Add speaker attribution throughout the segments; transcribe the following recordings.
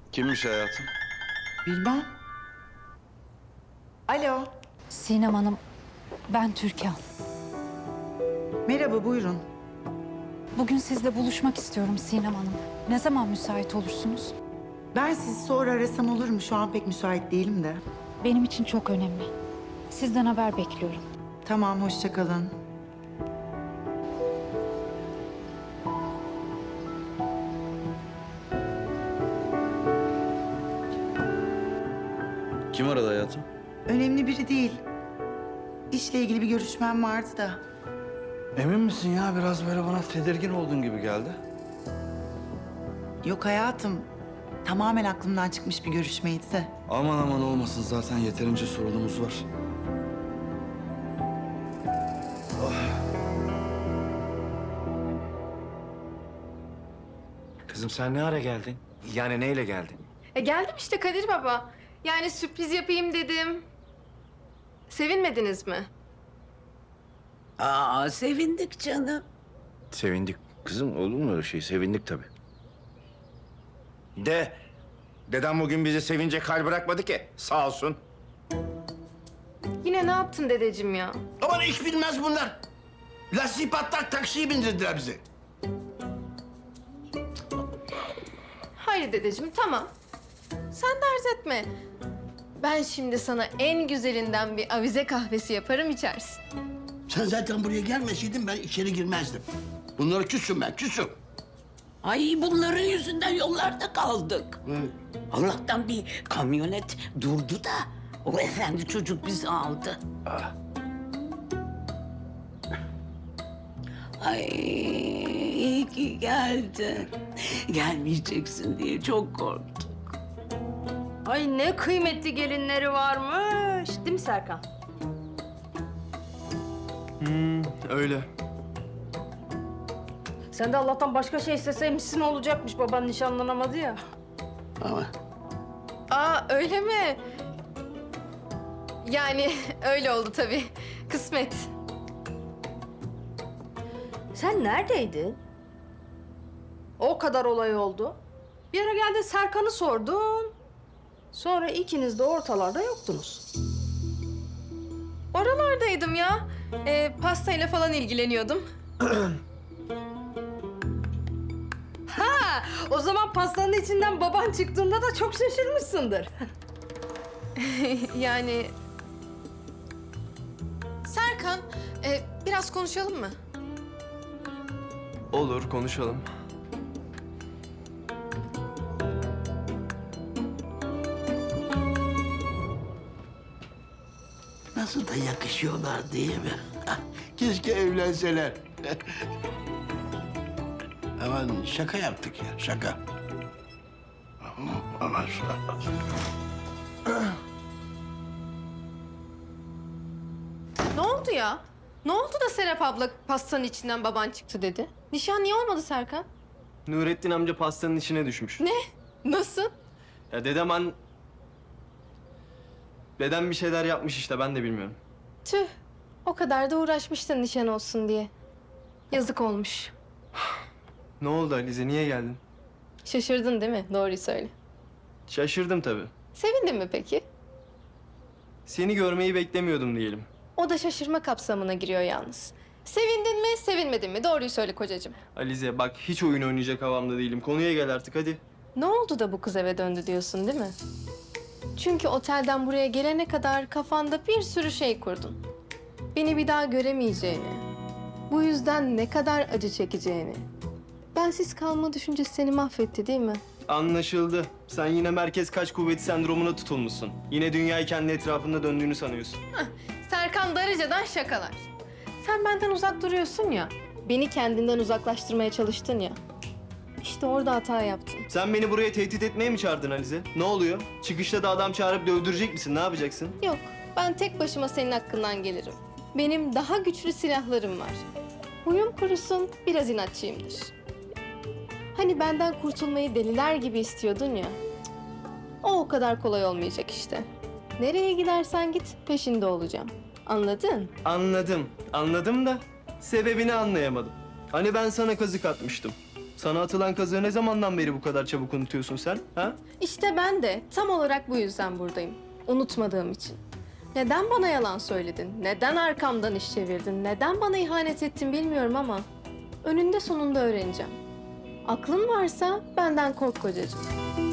Speaker 1: Kimmiş hayatım?
Speaker 2: Bilmem. Alo.
Speaker 3: Sinem Hanım, ben Türkan.
Speaker 2: Merhaba, buyurun.
Speaker 3: Bugün sizle buluşmak istiyorum Sinem Hanım. Ne zaman müsait olursunuz?
Speaker 2: Ben sizi sonra arasam olur mu? Şu an pek müsait değilim de.
Speaker 3: Benim için çok önemli. Sizden haber bekliyorum.
Speaker 2: Tamam, hoşça kalın.
Speaker 1: Kim aradı hayatım?
Speaker 2: Önemli biri değil. İşle ilgili bir görüşmem vardı da.
Speaker 1: Emin misin ya? Biraz böyle bana tedirgin olduğun gibi geldi.
Speaker 2: Yok hayatım. Tamamen aklımdan çıkmış bir görüşmeydi de.
Speaker 1: Aman aman olmasın, zaten yeterince sorunumuz var.
Speaker 4: Kızım sen ne ara geldin? Yani neyle geldin?
Speaker 5: Geldim işte Kadir Baba. Yani sürpriz yapayım dedim. Sevinmediniz mi?
Speaker 6: Aa, sevindik canım.
Speaker 4: Sevindik. Kızım olur mu öyle şey? Sevindik tabii. Dedem bugün bizi sevince kal bırakmadı ki. Sağ olsun.
Speaker 5: Yine ne yaptın dedeciğim ya?
Speaker 7: Aman iş bilmez bunlar. Lastiği patlak taksiye bindirdiler bizi.
Speaker 5: Hayır dedeciğim, tamam. Sen dert etme. Ben şimdi sana en güzelinden bir avize kahvesi yaparım, içersin.
Speaker 7: Sen zaten buraya gelmeseydin ben içeri girmezdim. Bunlara küsüm ben, küsüm.
Speaker 6: Ay bunların yüzünden yollarda kaldık. Allah'tan bir kamyonet durdu da o efendi çocuk bizi aldı. Ay iyi ki geldin. Gelmeyeceksin diye çok korktum.
Speaker 5: Ay ne kıymetli gelinleri varmış. Değil mi Serkan?
Speaker 8: Öyle.
Speaker 5: Sen de Allah'tan başka şey isteseymişsin olacakmış. Baban nişanlanamadı ya.
Speaker 7: Ama
Speaker 5: Aa öyle mi? Yani öyle oldu tabii. Kısmet. Sen neredeydin? O kadar olay oldu. Bir ara geldin Serkan'ı sordun. Sonra ikiniz de ortalarda yoktunuz. Oralardaydım ya. Pastayla falan ilgileniyordum. Ha, o zaman pastanın içinden baban çıktığında da çok şaşırmışsındır. Yani... Serkan, biraz konuşalım mı?
Speaker 8: Olur, konuşalım.
Speaker 7: nasıl da yakışıyorlar değil mi? Keşke evlenseler. Aman şaka yaptık ya, şaka. Aman
Speaker 5: Ne oldu ya? Ne oldu da Serap abla pastanın içinden baban çıktı dedi? Nişan niye olmadı Serkan?
Speaker 8: Nurettin amca pastanın içine düşmüş.
Speaker 5: Ne? Nasıl?
Speaker 8: Ya Dedem bir şeyler yapmış işte, ben de bilmiyorum.
Speaker 5: Tüh, o kadar da uğraşmıştın nişan olsun diye. Yazık olmuş.
Speaker 8: Ne oldu Alize, niye geldin?
Speaker 5: Şaşırdın değil mi? Doğruyu söyle.
Speaker 8: Şaşırdım tabii.
Speaker 5: Sevindin mi peki?
Speaker 8: Seni görmeyi beklemiyordum diyelim.
Speaker 5: O da şaşırma kapsamına giriyor yalnız. Sevindin mi, sevinmedin mi? Doğruyu söyle kocacığım.
Speaker 8: Alize bak, hiç oyun oynayacak havamda değilim. Konuya gel artık hadi.
Speaker 5: Ne oldu da bu kız eve döndü diyorsun değil mi? Çünkü otelden buraya gelene kadar kafanda bir sürü şey kurdun. Beni bir daha göremeyeceğini, bu yüzden ne kadar acı çekeceğini. Bensiz kalma düşüncesi seni mahvetti değil mi?
Speaker 8: Anlaşıldı. Sen yine merkez kaç kuvveti sendromuna tutulmuşsun. Yine dünyayı kendi etrafında döndüğünü sanıyorsun.
Speaker 5: Serkan Darıca'dan şakalar. Sen benden uzak duruyorsun ya, beni kendinden uzaklaştırmaya çalıştın ya. İşte orada hata yaptın.
Speaker 8: Sen beni buraya tehdit etmeye mi çağırdın Alize? Ne oluyor? Çıkışta da adam çağırıp dövdürecek misin? Ne yapacaksın?
Speaker 5: Yok, ben tek başıma senin hakkından gelirim. Benim daha güçlü silahlarım var. Huyum kurusun, biraz inatçıyımdır. Hani benden kurtulmayı deliler gibi istiyordun ya. Cık, o kadar kolay olmayacak işte. Nereye gidersen git, peşinde olacağım. Anladın?
Speaker 8: Anladım. Anladım da sebebini anlayamadım. Hani ben sana kazık atmıştım. Sana atılan kazığı ne zamandan beri bu kadar çabuk unutuyorsun sen? Ha?
Speaker 5: İşte ben de tam olarak bu yüzden buradayım. Unutmadığım için. Neden bana yalan söyledin? Neden arkamdan iş çevirdin? Neden bana ihanet ettin bilmiyorum ama önünde sonunda öğreneceğim. Aklın varsa benden kork kocacığım.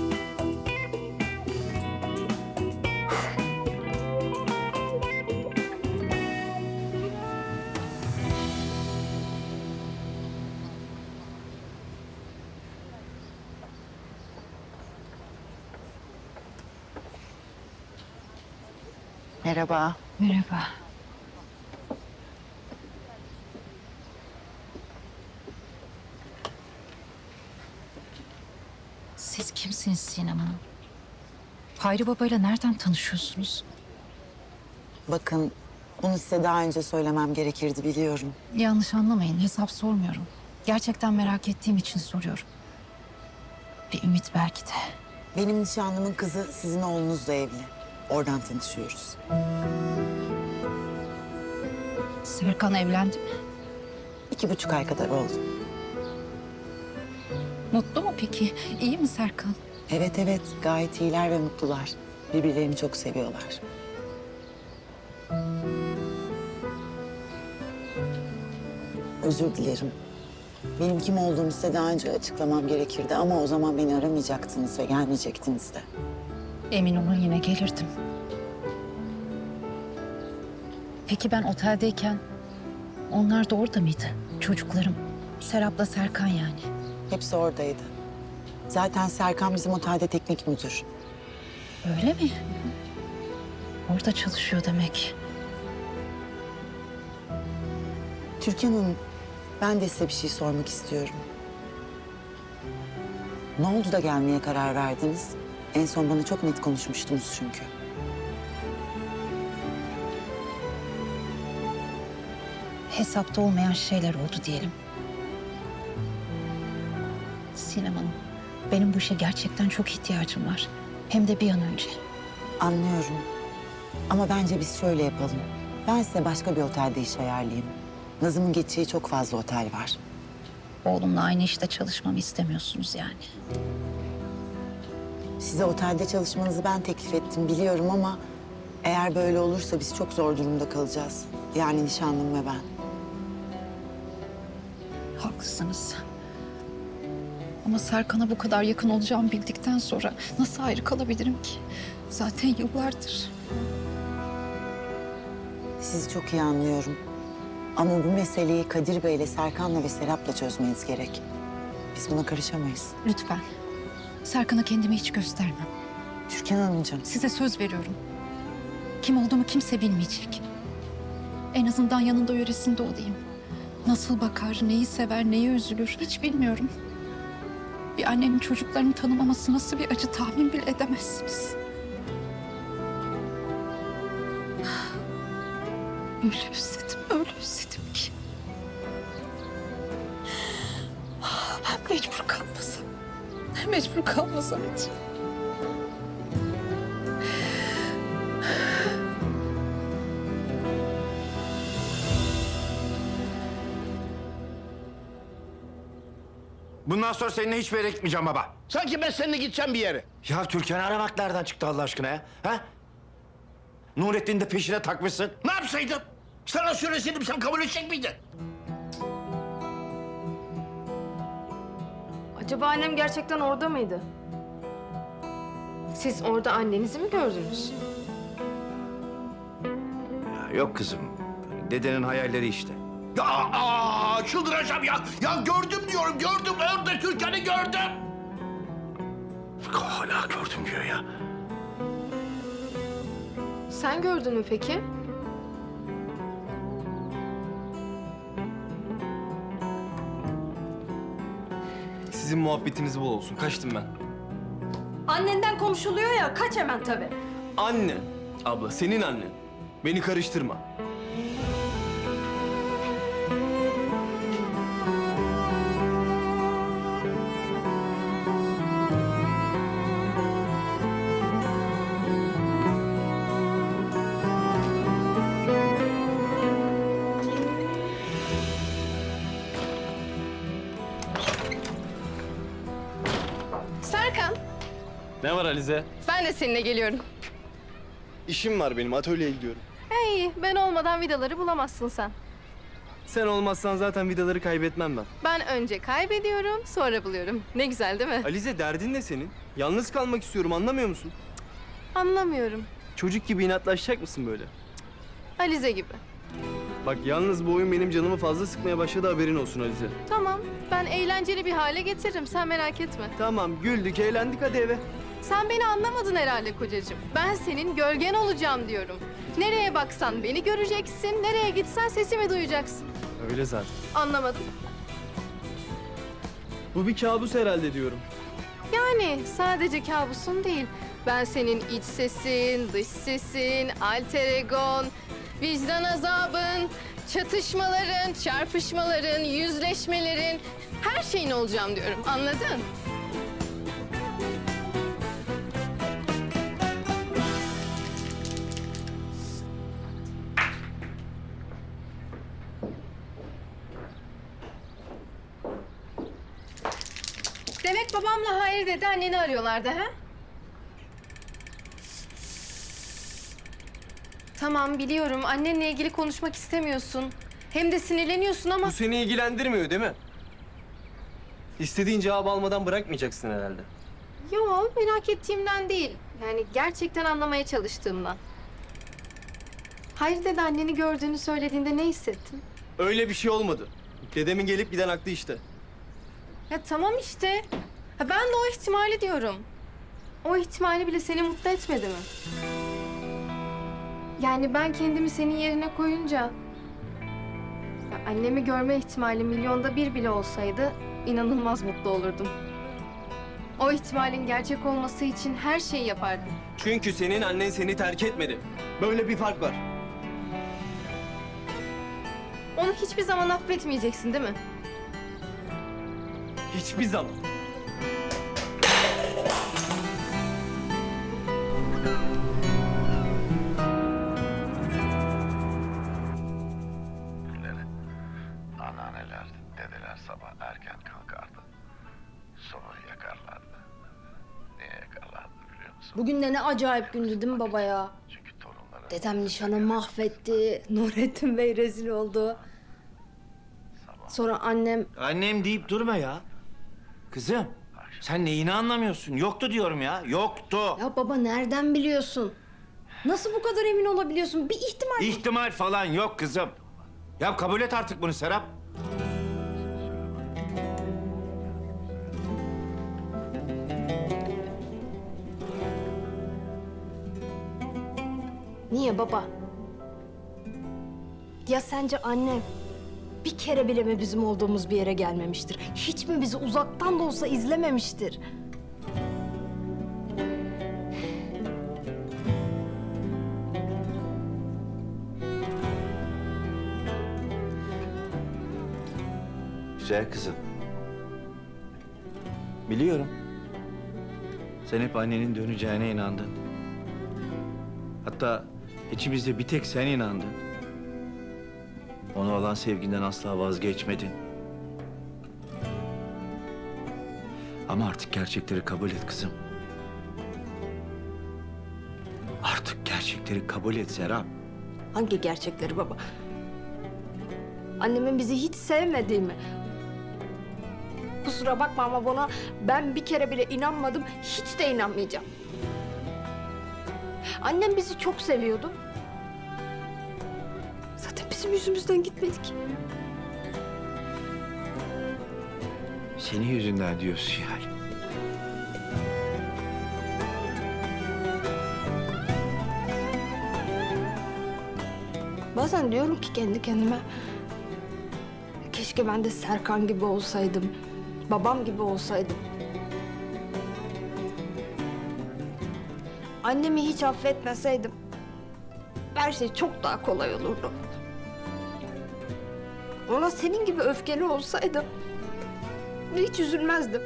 Speaker 2: Merhaba.
Speaker 3: Merhaba. Siz kimsiniz Sinem Hanım? Hayri Baba'yla nereden tanışıyorsunuz?
Speaker 9: Bakın, bunu size daha önce söylemem gerekirdi biliyorum.
Speaker 3: Yanlış anlamayın, hesap sormuyorum. Gerçekten merak ettiğim için soruyorum. Bir ümit belki de.
Speaker 9: Benim nişanlımın kızı sizin oğlunuzla evli. Oradan tanışıyoruz.
Speaker 3: Serkan evlendi mi?
Speaker 9: 2,5 ay kadar oldu.
Speaker 3: Mutlu mu peki? İyi mi Serkan?
Speaker 9: Evet evet, gayet iyiler ve mutlular. Birbirlerini çok seviyorlar. Özür dilerim. Benim kim olduğumu size daha önce açıklamam gerekirdi ama o zaman beni aramayacaktınız ve gelmeyecektiniz de.
Speaker 3: Emin olun yine gelirdim. Peki ben oteldeyken onlar da orada mıydı? Çocuklarım. Serap'la Serkan yani.
Speaker 9: Hepsi oradaydı. Zaten Serkan bizim otelde teknik müdür.
Speaker 3: Öyle mi? Orada çalışıyor demek.
Speaker 9: Türkan Hanım, ben de size bir şey sormak istiyorum. Ne oldu da gelmeye karar verdiniz? En son bana çok net konuşmuştunuz çünkü.
Speaker 3: Hesapta olmayan şeyler oldu diyelim. Sinem Hanım, benim bu işe gerçekten çok ihtiyacım var. Hem de bir an önce.
Speaker 9: Anlıyorum. Ama bence biz şöyle yapalım. Ben size başka bir otelde iş ayarlayayım. Nazım'ın geçeceği çok fazla otel var.
Speaker 3: Oğlumla aynı işte çalışmamı istemiyorsunuz yani.
Speaker 9: Size otelde çalışmanızı ben teklif ettim biliyorum ama... eğer böyle olursa biz çok zor durumda kalacağız. Yani nişanlım ve ben.
Speaker 3: Haklısınız. Ama Serkan'a bu kadar yakın olacağımı bildikten sonra nasıl ayrı kalabilirim ki? Zaten yıllardır.
Speaker 9: Sizi çok iyi anlıyorum. Ama bu meseleyi Kadir Bey'le, Serkan'la ve Serap'la çözmeniz gerek. Biz buna karışamayız.
Speaker 3: Lütfen. Serkan'a kendimi hiç göstermem.
Speaker 9: Türkan Hanımcığım,
Speaker 3: Size söz veriyorum. Kim olduğumu kimse bilmeyecek. En azından yanında yöresinde olayım. Nasıl bakar, neyi sever, neye üzülür hiç bilmiyorum. Bir annenin çocuklarını tanımaması nasıl bir acı tahmin bile edemezsiniz. Öyle özledim ki. Ben mecbur kalmasam hiç.
Speaker 4: Bundan sonra seninle hiçbir yere gitmeyeceğim baba.
Speaker 7: Sanki ben seninle gideceğim bir yere.
Speaker 4: Ya Türkan'ı aramak nereden çıktı Allah aşkına ya? Ha? Nurettin'i de peşine takmışsın.
Speaker 7: Ne yapsaydım? Sana söyleseydim sen kabul edecek miydin?
Speaker 5: Acaba annem gerçekten orada mıydı? Siz orada annenizi mi gördünüz?
Speaker 4: Ya yok kızım. Dedenin hayalleri işte.
Speaker 7: Ya çıldıracağım ya. Ya gördüm diyorum, gördüm. Orada Türkan'ı gördüm.
Speaker 4: Hala gördüm diyor ya.
Speaker 5: Sen gördün mü peki?
Speaker 8: Sizin muhabbetiniz bol olsun. Kaçtım ben.
Speaker 5: Annenden konuşuluyor ya, kaç hemen tabii.
Speaker 8: Anne. Abla, senin annen. Beni karıştırma. Ne var Alize?
Speaker 5: Ben de seninle geliyorum.
Speaker 8: İşim var benim, atölyeye gidiyorum.
Speaker 5: İyi, ben olmadan vidaları bulamazsın sen.
Speaker 8: Sen olmazsan zaten vidaları kaybetmem ben.
Speaker 5: Ben önce kaybediyorum, sonra buluyorum. Ne güzel değil mi?
Speaker 8: Alize derdin ne senin? Yalnız kalmak istiyorum, anlamıyor musun?
Speaker 5: Anlamıyorum.
Speaker 8: Çocuk gibi inatlaşacak mısın böyle?
Speaker 5: Alize gibi.
Speaker 8: Bak yalnız bu oyun benim canımı fazla sıkmaya başladı, haberin olsun Alize.
Speaker 5: Tamam, ben eğlenceli bir hale getiririm. Sen merak etme.
Speaker 8: Tamam, güldük, eğlendik, hadi eve.
Speaker 5: Sen beni anlamadın herhalde kocacığım. Ben senin gölgen olacağım diyorum. Nereye baksan beni göreceksin, nereye gitsen sesimi duyacaksın.
Speaker 8: Öyle zaten.
Speaker 5: Anlamadım.
Speaker 8: Bu bir kabus herhalde diyorum.
Speaker 5: Yani sadece kabusun değil. Ben senin iç sesin, dış sesin, alter egon, vicdan azabın, çatışmaların, çarpışmaların, yüzleşmelerin, her şeyin olacağım diyorum. Anladın? Demek babamla hayır dedi, anneni arıyorlardı ha? Tamam biliyorum, annenle ilgili konuşmak istemiyorsun. Hem de sinirleniyorsun ama...
Speaker 8: Bu seni ilgilendirmiyor değil mi? İstediğin cevabı almadan bırakmayacaksın herhalde.
Speaker 5: Yo, merak ettiğimden değil. Yani gerçekten anlamaya çalıştığımdan. Hayır dedi, anneni gördüğünü söylediğinde ne hissettin?
Speaker 8: Öyle bir şey olmadı. Dedemin gelip giden aklı işte.
Speaker 5: Ya tamam işte. Ha, ben de o ihtimali diyorum. O ihtimali bile seni mutlu etmedi mi? Yani ben kendimi senin yerine koyunca... ya annemi görme ihtimali milyonda bir bile olsaydı... inanılmaz mutlu olurdum. O ihtimalin gerçek olması için her şeyi yapardım.
Speaker 8: Çünkü senin annen seni terk etmedi. Böyle bir fark var.
Speaker 5: Onu hiçbir zaman affetmeyeceksin değil mi?
Speaker 8: Hiçbir zaman.
Speaker 7: Anneanneler, dedeler sabah erken kalkardı. Sobayı yakarlardı. Niye yakarlardı biliyor musun?
Speaker 10: Bugün de ne acayip gündü değil mi baba ya?
Speaker 7: Çünkü torunları...
Speaker 10: Dedem nişanı mahvetti, Nurettin Bey rezil oldu. Sonra annem...
Speaker 4: Annem deyip durma ya. Kızım, sen neyini anlamıyorsun? Yoktu diyorum ya, yoktu.
Speaker 10: Ya baba nereden biliyorsun? Nasıl bu kadar emin olabiliyorsun? Bir ihtimal...
Speaker 4: İhtimal falan yok kızım. Ya kabul et artık bunu Serap.
Speaker 10: Niye baba? Ya sence annem bir kere bile mi bizim olduğumuz bir yere gelmemiştir? Hiç mi bizi uzaktan da olsa izlememiştir?
Speaker 4: Güzel kızım. Biliyorum. Sen hep annenin döneceğine inandın. Hatta içimizde bir tek sen inandın. Ona olan sevginden asla vazgeçmedin. Ama artık gerçekleri kabul et kızım. Artık gerçekleri kabul et Serap.
Speaker 10: Hangi gerçekleri baba? Annemin bizi hiç sevmediği mi? Kusura bakma ama buna ben bir kere bile inanmadım, hiç de inanmayacağım. Annem bizi çok seviyordu. Zaten bizim yüzümüzden gitmedik.
Speaker 4: Senin yüzünden diyorsun yani.
Speaker 10: Bazen diyorum ki kendi kendime... keşke ben de Serkan gibi olsaydım. Babam gibi olsaydım. Annemi hiç affetmeseydim... her şey çok daha kolay olurdu. Ona senin gibi öfkeli olsaydım... hiç üzülmezdim.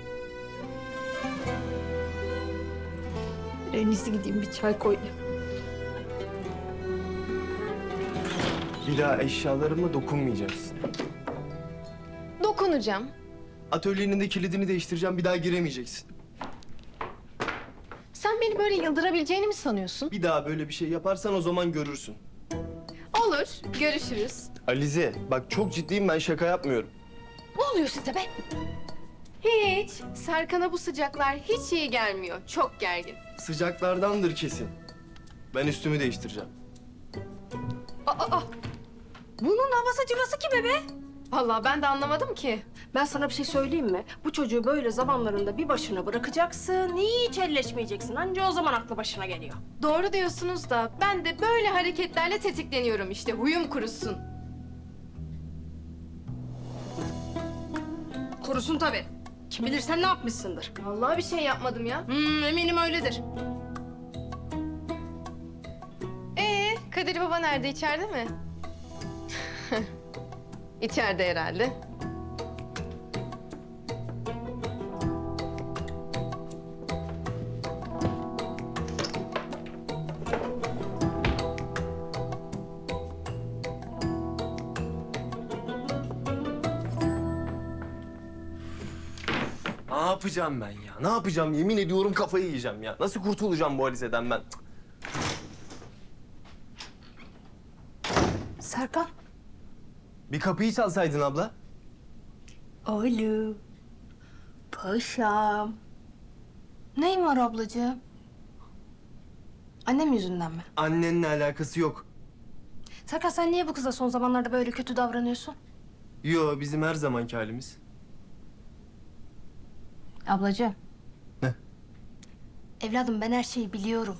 Speaker 10: En iyisi gideyim bir çay koyayım.
Speaker 8: Bir daha eşyalarıma dokunmayacaksın.
Speaker 5: Dokunacağım.
Speaker 8: Atölyenin de kilidini değiştireceğim, bir daha giremeyeceksin.
Speaker 5: Sen beni böyle yıldırabileceğini mi sanıyorsun?
Speaker 8: Bir daha böyle bir şey yaparsan o zaman görürsün.
Speaker 5: Olur, görüşürüz.
Speaker 8: Alize bak çok ciddiyim, ben şaka yapmıyorum.
Speaker 10: Ne oluyor size be?
Speaker 5: Hiç. Serkan'a bu sıcaklar hiç iyi gelmiyor. Çok gergin.
Speaker 8: Sıcaklardandır kesin. Ben üstümü değiştireceğim.
Speaker 10: Bunun havası cıvası kime be?
Speaker 5: Vallahi ben de anlamadım ki.
Speaker 10: Ben sana bir şey söyleyeyim mi? Bu çocuğu böyle zamanlarında bir başına bırakacaksın, hiç elleşmeyeceksin. Anca o zaman aklı başına geliyor.
Speaker 5: Doğru diyorsunuz da ben de böyle hareketlerle tetikleniyorum işte. Huyum kurusun.
Speaker 10: Kurusun tabii. Kim bilir sen ne yapmışsındır.
Speaker 5: Vallahi bir şey yapmadım ya.
Speaker 10: Eminim öyledir.
Speaker 5: Kadir Baba nerede? İçeride mi? İçeride herhalde.
Speaker 8: Ne yapacağım ben ya? Ne yapacağım? Yemin ediyorum kafayı yiyeceğim ya. Nasıl kurtulacağım bu Alize'den ben? Cık.
Speaker 10: Serkan.
Speaker 8: Bir kapıyı çalsaydın abla.
Speaker 10: Oğlum. Paşam. Neyin var ablacığım? Annem yüzünden mi?
Speaker 8: Annenle alakası yok.
Speaker 10: Serkan sen niye bu kıza son zamanlarda böyle kötü davranıyorsun?
Speaker 8: Yo, bizim her zamanki halimiz.
Speaker 10: Ablacığım.
Speaker 8: Ne?
Speaker 10: Evladım ben her şeyi biliyorum.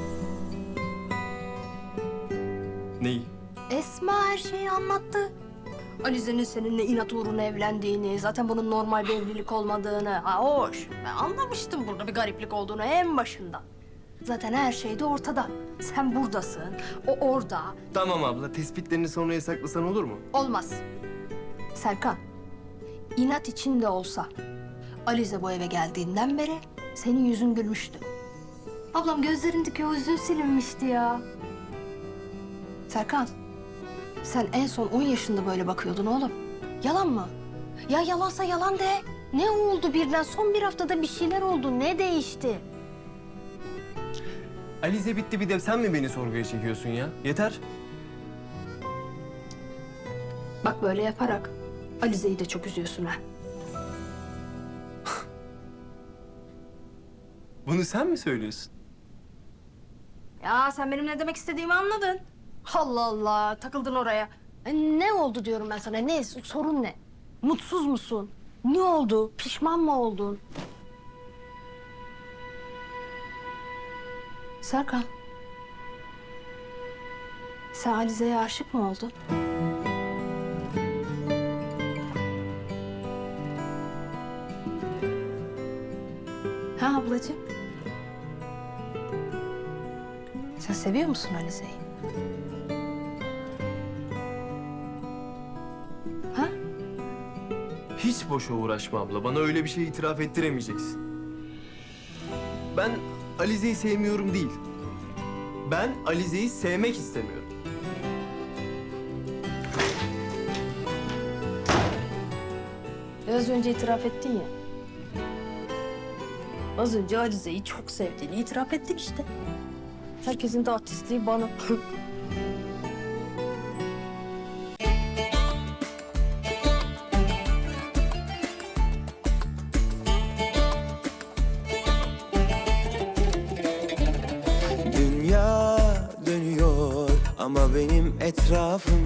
Speaker 8: Neyi?
Speaker 10: Esma her şeyi anlattı. Alize'nin seninle inat uğruna evlendiğini, zaten bunun normal bir evlilik olmadığını. Ha hoş. Ben anlamıştım burada bir gariplik olduğunu en başında. Zaten her şey de ortada. Sen buradasın, o orada.
Speaker 8: Tamam abla, tespitlerini sonraya saklasan olur mu?
Speaker 10: Olmaz. Serkan, inat içinde olsa Alize bu eve geldiğinden beri senin yüzün gülmüştü. Ablam gözlerindeki o hüzün silinmişti ya. Serkan, sen en son 10 yaşında böyle bakıyordun oğlum. Yalan mı? Ya yalansa yalan de. Ne oldu birden? Son bir haftada bir şeyler oldu. Ne değişti?
Speaker 8: Alize bitti, bir de sen mi beni sorguya çekiyorsun ya? Yeter.
Speaker 10: Bak böyle yaparak Alize'yi de çok üzüyorsun ha.
Speaker 8: Bunu sen mi söylüyorsun?
Speaker 10: Ya sen benim ne demek istediğimi anladın. Allah Allah, takıldın oraya. Ne oldu diyorum ben sana, ne? Sorun ne? Mutsuz musun? Ne oldu? Pişman mı oldun? Serkan. Sen Alize'ye aşık mı oldun? Ha ablacığım? Sen seviyor musun Alize'yi? Ha?
Speaker 8: Hiç boşa uğraşma abla. Bana öyle bir şey itiraf ettiremeyeceksin. Ben Alize'yi sevmiyorum değil. Ben Alize'yi sevmek istemiyorum.
Speaker 10: Biraz önce itiraf ettin ya. Az önce Alize'yi çok sevdiğini itiraf ettin işte. Herkesin de artistliği bana.
Speaker 11: Dünya dönüyor ama benim etrafım